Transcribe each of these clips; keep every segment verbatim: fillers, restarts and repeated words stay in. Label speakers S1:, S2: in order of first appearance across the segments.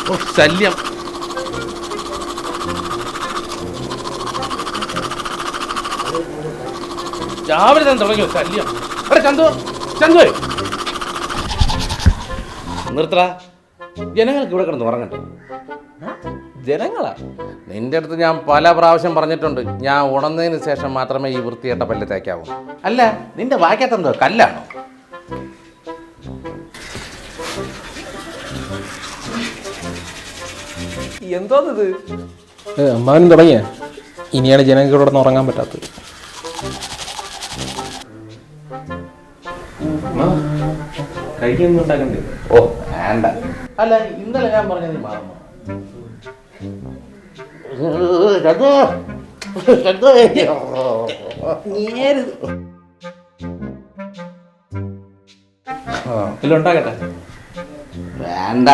S1: ഓ ശല്യം. രാവിലെ തന്നെ തുടങ്ങിയോ ശല്യം? എടാ ചന്തു, ചന്തു നിർത്തറ. ജനങ്ങൾക്ക് ഇവിടെ കിടന്ന് ഉറങ്ങട്ടെ.
S2: ജനങ്ങളാ?
S1: നിന്റെ അടുത്ത് ഞാൻ പല പ്രാവശ്യം പറഞ്ഞിട്ടുണ്ട്, ഞാൻ ഉണർന്നതിന് ശേഷം മാത്രമേ ഈ വൃത്തിയേട്ട പല്ല് തേക്കാവൂ. അല്ല, നിന്റെ വാക്കത്തെന്തോ കല്ലാണോ?
S2: എന്തോന്നിത്? അമ്മാവനും തുടങ്ങിയ ഇനിയാണ് ജനങ്ങൾക്ക് ഇവിടെ ഉറങ്ങാൻ പറ്റാത്തത്. കഴിക്കൊന്നും ഉണ്ടാക്കണ്ടേ?
S1: ഓ വേണ്ട. അല്ല, ഇന്നലെ ഞാൻ പറഞ്ഞത് നീ മറന്നു.
S2: എല്ലാം ഉണ്ടാക്കട്ടെ?
S1: വേണ്ട.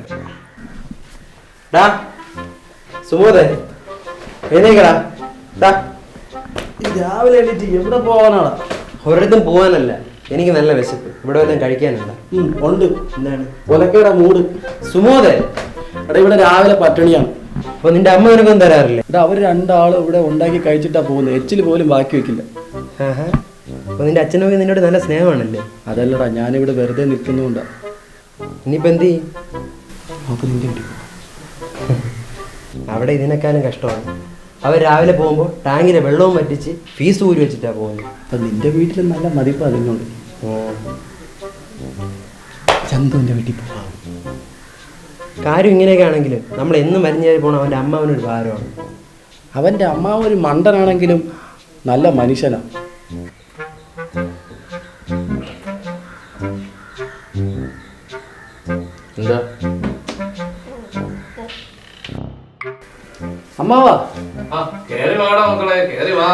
S3: സുമോദേ എഴുന്നേക്കടാ. രാവിലെ എണീറ്റ് എവിടെ പോകാനാണ്? ഒരിടത്തും പോകാനല്ല, എനിക്ക് നല്ല വിശപ്പ്. ഇവിടെ വല്ലതും കഴിക്കാനല്ല. ഉണ്ട്. എന്താണ്? ഒലക്കയുടെ മൂട്. സുമോദേ എടാ, ഇവിടെ രാവിലെ പട്ടിണിയാണ്. അപ്പൊ നിന്റെ അമ്മ നിനക്കൊന്നും തരാറില്ലേ? എടാ, അവർ രണ്ടാളും ഇവിടെ ഉണ്ടാക്കി കഴിച്ചിട്ടാ പോകുന്നത്. എച്ചിൽ പോലും ബാക്കി വെക്കില്ല. അപ്പൊ നിന്റെ അച്ഛനൊക്കെ നിന്നോട് നല്ല സ്നേഹമാണല്ലേ? അതല്ലടാ, ഞാനിവിടെ വെറുതെ നിൽക്കുന്നുണ്ടാ. ഇനിയിപ്പോ എന്ത് ചെയ്യും? നമുക്ക് നിന്റെ വീട്ടിൽ അവിടെ ഇതിനേക്കാളും കഷ്ടമാണ്. അവർ രാവിലെ പോകുമ്പോൾ ടാങ്കിലെ വെള്ളവും വറ്റിച്ച് ഫീസ് ഊരി വെച്ചിട്ടാ പോകുന്നത്. അപ്പൊ നിന്റെ വീട്ടിൽ നല്ല മതിപ്പ് അതിനോട്. ചന്തുവിന്റെ വീട്ടിൽ പോകാം. കാര്യം ഇങ്ങനെയൊക്കെ ആണെങ്കിലും നമ്മൾ എന്നും മരിഞ്ഞേരി പോകണം. അവൻ്റെ അമ്മ അവനൊരു ഭാരമാണ്. അവൻ്റെ അമ്മാവൻ ഒരു മണ്ടനാണെങ്കിലും നല്ല മനുഷ്യനാണ്.
S1: എന്താ
S3: അമ്മാവാ?
S1: കേറി വാടാ മക്കളെ, കേറി വാ.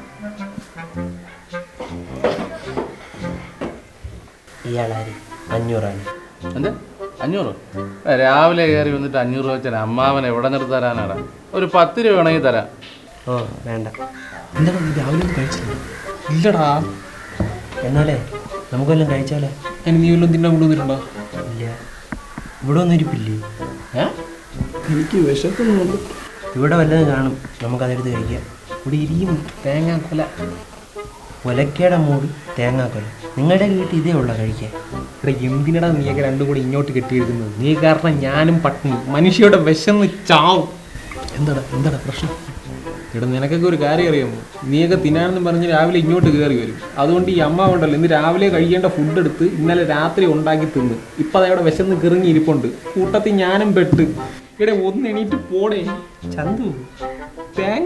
S3: ഇയാളാര്? അഞ്ഞൂറാണ്.
S1: എന്താ അഞ്ഞൂറ്? രാവിലെ കയറി വന്നിട്ട് അഞ്ഞൂറ് രൂപ വെച്ചാൽ അമ്മാവൻ എവിടെ നിർത്തി തരാനാടാ? ഒരു പത്ത് രൂപ വേണമെങ്കിൽ തരാം.
S3: ഓ വേണ്ട. എന്താ നീ രാവിലെ ഒന്നും കഴിച്ചില്ല?
S2: ഇല്ലടാ.
S3: എന്നാലേ നമുക്കെല്ലാം കഴിച്ചാലേ?
S2: നീ വല്ലതും തിന്നാൻ കൊണ്ടുവന്നിട്ടുണ്ടോ?
S3: ഇല്ല. ഇവിടെ ഒന്നും ഇരിപ്പില്ലേ? എനിക്ക് വിശക്കുന്നുണ്ട്. ഇവിടെ വല്ലതും കാണും, നമുക്കതെടുത്ത് കഴിക്കാം. ഇവിടെ ഇരിയും. തേങ്ങാക്കൊല. ഒലക്കയുടെ മൂടി തേങ്ങാക്കൊല. നിങ്ങളുടെ വീട്ടിൽ ഇതേ ഉള്ള കഴിക്കാൻ.
S2: ഇവിടെ എന്തിനടാ നീയൊക്കെ രണ്ടും കൂടി ഇങ്ങോട്ട് കെട്ടിയെടുക്കുന്നത്? നീ കാരണം ഞാനും പട്ടിണി, മനുഷ്യയുടെ വിശന്ന് ചാവും.
S3: എന്താടാ എന്താടാ പ്രശ്നം?
S2: ഇവിടെ നിനക്കൊക്കെ ഒരു കാര്യം അറിയാമോ? നീയൊക്കെ തിന്നാനെന്ന് പറഞ്ഞ് രാവിലെ ഇങ്ങോട്ട് കയറി വരും. അതുകൊണ്ട് ഈ അമ്മ ഉണ്ടല്ലോ, ഇന്ന് രാവിലെ കഴിക്കേണ്ട ഫുഡ് എടുത്ത് ഇന്നലെ രാത്രി ഉണ്ടാക്കി തിന്ന് ഇപ്പം അതവിടെ വിശന്ന് കിറങ്ങി ഇരിപ്പുണ്ട്. കൂട്ടത്തിൽ ഞാനും പെട്ട്. ഇവിടെ ഒന്ന് എണീറ്റ് പോടേ ചന്തു. തേങ്ങ.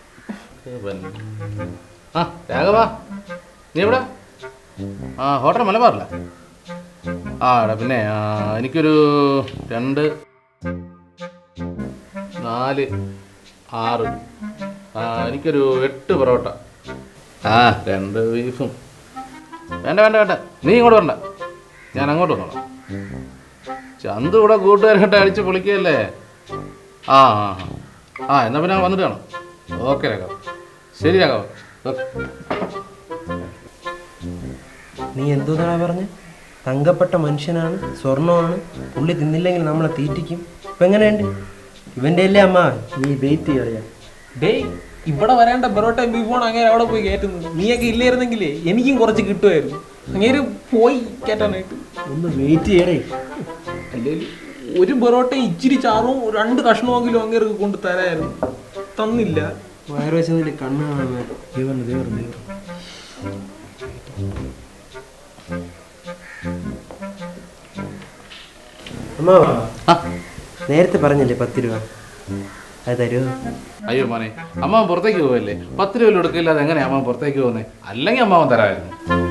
S1: ആ രാഘവാ, നീ എവിടെ? ആ ഹോട്ടൽ മലബാറില്ല? ആ എടാ പിന്നെ എനിക്കൊരു രണ്ട് നാല് ആറ് ആ എനിക്കൊരു എട്ട് പൊറോട്ട. ആ രണ്ട് ബീഫും. വേണ്ട വേണ്ട വേണ്ട, നീ ഇങ്ങോട്ട് വരണ്ട, ഞാൻ അങ്ങോട്ട് വന്നോളാം. ചന്തു ഇവിടെ കൂട്ടുകാരായിട്ട് അടിച്ച് പൊളിക്കുകയല്ലേ? ആ ആ ആ എന്നാൽ പിന്നെ വന്നിട്ട് കാണാം. ഓക്കെ രാഘവ. ശരി രാഘവ.
S3: നീ എന്തോന്നാ പറഞ്ഞ്? തങ്കപ്പെട്ട മനുഷ്യനാണ്, സ്വർണ്ണമാണ്, പുള്ളി തിന്നില്ലെങ്കിൽ നമ്മളെ തീറ്റിക്കും. ഇപ്പം എങ്ങനെയുണ്ട്? ഇവൻ്റെ അല്ലേ അമ്മ? നീ വെയിറ്റ് ചെയ്യാറിയാ.
S2: ഡേയ്, ഇവിടെ വരേണ്ട പൊറോട്ടയും ബീഫോണ് അങ്ങനെ അവിടെ പോയി കയറ്റുന്നത്. നീയൊക്കെ ഇല്ലായിരുന്നെങ്കിലേ എനിക്കും കുറച്ച് കിട്ടുമായിരുന്നു. അങ്ങേര് പോയി കയറ്റാനായിട്ട്.
S3: ഒന്ന് വെയിറ്റ് ചെയ്യണേ.
S2: അല്ലെങ്കിൽ ഒരു പൊറോട്ട ഇച്ചിരി ചാറും രണ്ട് കഷ്ണമെങ്കിലും അങ്ങേർക്ക് കൊണ്ട് തരായിരുന്നു. തന്നില്ല.
S3: വയറ് വെച്ചതിൽ കണ്ണ് കാണുന്ന ദേവർ ദേവർ ദേവർ. അമ്മാവാ, നേരത്തെ പറഞ്ഞല്ലേ പത്ത് രൂപ, അത് തരുമോ?
S1: അയ്യോ മോനെ, അമ്മാവൻ പുറത്തേക്ക് പോവല്ലേ? പത്ത് രൂപ എടുക്കില്ലാതെ എങ്ങനെയാ അമ്മാവൻ പുറത്തേക്ക് പോകുന്നത്? അല്ലെങ്കിൽ അമ്മാവൻ തരാമായിരുന്നു.